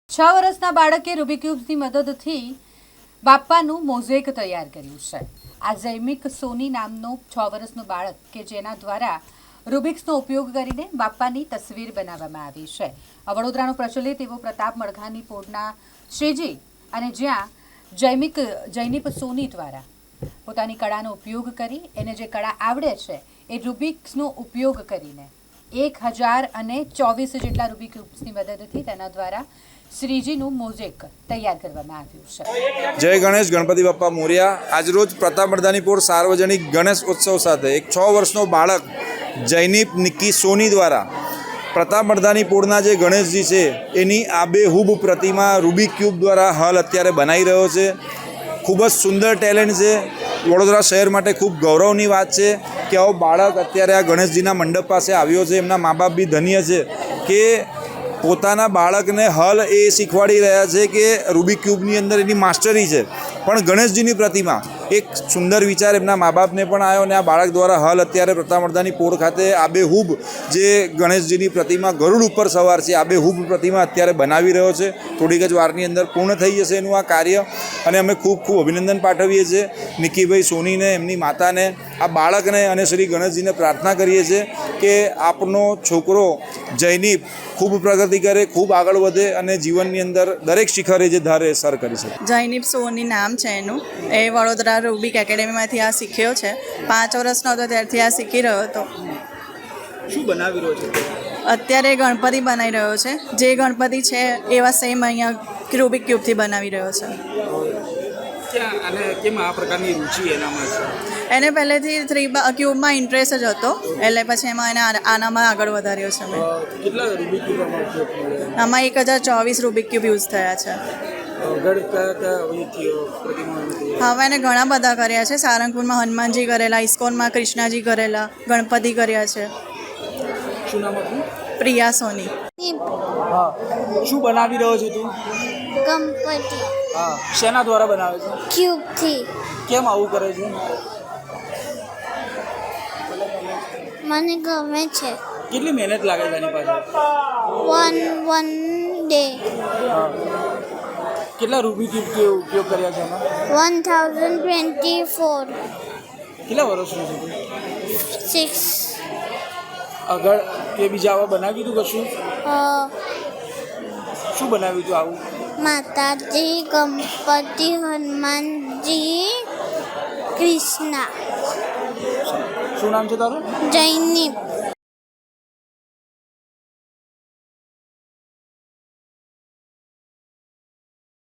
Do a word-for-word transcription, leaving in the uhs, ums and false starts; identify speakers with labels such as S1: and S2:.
S1: છ વર્ષના બાળકે રૂબિક ક્યુબ્સની મદદથી બાપ્પાનું મોઝેક તૈયાર કર્યું છે। આ જૈમિક સોની નામનો છ વર્ષનું બાળક કે જેના દ્વારા રૂબિક્સનો ઉપયોગ કરીને બાપ્પાની તસવીર બનાવવામાં આવી છે। વડોદરાનો પ્રચલિત એવો પ્રતાપ મડઘાની પોળના શ્રીજી અને જ્યાં જૈમિક જૈનિપ સોની દ્વારા પોતાની કળાનો ઉપયોગ કરી એને જે કળા આવડે છે એ રૂબિક્સનો ઉપયોગ કરીને એક હજાર અને ચોવીસ જેટલા રૂબિક ક્યુબ્સની મદદથી તેના દ્વારા શ્રીજીનું મોઝેક તૈયાર કરવામાં આવ્યું છે।
S2: જય ગણેશ ગણપતિ બાપ્પા મોર્યા। આજરોજ પ્રતાપ મડધાની પોળ સાર્વજનિક ગણેશ ઉત્સવ સાથે એક છ વર્ષનો બાળક જૈનિપ નિક્કી સોની દ્વારા પ્રતાપ મડધાની પોળના જે ગણેશજી છે એની આબેહૂબ પ્રતિમા રૂબિક ક્યુબ દ્વારા હાલ અત્યારે બનાવી રહ્યો છે। ખૂબ જ સુંદર ટેલેન્ટ છે। વડોદરા શહેર માટે ખૂબ ગૌરવની વાત છે કે આવો બાળક અત્યારે આ ગણેશજીના મંડપ પાસે આવ્યો છે। એમના મા બાપ બી ધન્ય છે કે પોતાના બાળકને હલ એ શીખવાડી રહ્યા છે કે રૂબિક ક્યુબની અંદર એની માસ્ટરી છે, પણ ગણેશજીની પ્રતિમા એક સુંદર વિચાર એમના મા બાપને પણ આવ્યો અને આ બાળક દ્વારા હલ અત્યારે પ્રતાપ મડધાની પોળ ખાતે આબેહૂબ જે ગણેશજીની પ્રતિમા ગરુડ ઉપર સવાર છે આબેહૂબ પ્રતિમા અત્યારે બનાવી રહ્યો છે। થોડીક જ વારની અંદર પૂર્ણ થઈ જશે એનું આ કાર્ય અને અમે ખૂબ ખૂબ અભિનંદન પાઠવીએ છીએ નિક્કીભાઈ સોનીને, એમની માતાને, આ બાળકને અને શ્રી ગણેશજીને પ્રાર્થના કરીએ છીએ કે આપનો છોકરો જૈનિપ ખૂબ પ્રગતિ કરે, ખૂબ આગળ વધે અને જીવનની અંદર દરેક શિખરે જે ધારે સર કરી શકે।
S3: જૈનિપ સોની નામ છે એનું। એ વડોદરા રૂબિક એકેડેમીમાંથી આ શીખ્યો છે। પાંચ વર્ષનો હતો ત્યારથી આ શીખી રહ્યો હતો।
S4: શું બનાવી રહ્યો છે?
S3: અત્યારે ગણપતિ બનાવી રહ્યો છે। જે ગણપતિ છે એવા સેમ અહીંયા રૂબિક ક્યુબથી બનાવી રહ્યો છે।
S4: ક્યાં અને કેમ આ પ્રકારની રુચિ એનામાં છે?
S3: એને પહેલેથી થ્રી ક્યુબમાં ઇન્ટરેસ્ટ જ હતો, એટલે પછી એમાં એને આ- આનામાં આગળ વધાર્યો છે મેં।
S4: કેટલા રૂબિક ક્યુબમાં ઉપયોગ કર્યો?
S3: આમાં એક હજાર ચોવીસ રૂબિક ક્યુબ યુઝ થયા છે।
S4: આગળ કયા કયા અહીંથી પ્રતિમા?
S3: હવે એને ઘણા બધા કર્યા છે। સારંગપુરમાં હનુમાનજી કરેલા, ઇસ્કોનમાં કૃષ્ણાજી કરેલા, ગણપતિ કર્યા છે।
S4: શું નામ હતું?
S3: પ્રિયા સોની।
S4: હા, શું બનાવી રહ્યો છે તું?
S5: ગણપતિ
S4: હા, શેના દ્વારા બનાવે છે?
S5: ક્યુબથી
S4: કેમ આવું કરે છે?
S5: મને ગમે છે।
S4: કેટલી મહેનત લાગે છે એની પાછળ?
S5: વન વન ડે
S4: હા, કેટલા રૂબિક ક્યુબ ઉપયોગ કર્યા છે એમાં?
S5: વન થાઉઝન્ડ ટ્વેન્ટી ફોર
S4: કેટલા વર્ષનું છે તું?
S5: સિક્સ
S4: આગળ કે બીજા આવા બનાવ્યું તું કશું? શું બનાવ્યું તું આવું?
S5: માતાજી, ગણપતિ, હનુમાનજી, કૃષ્ણ,
S4: શું નામ છે તારું?
S5: જૈનિપ।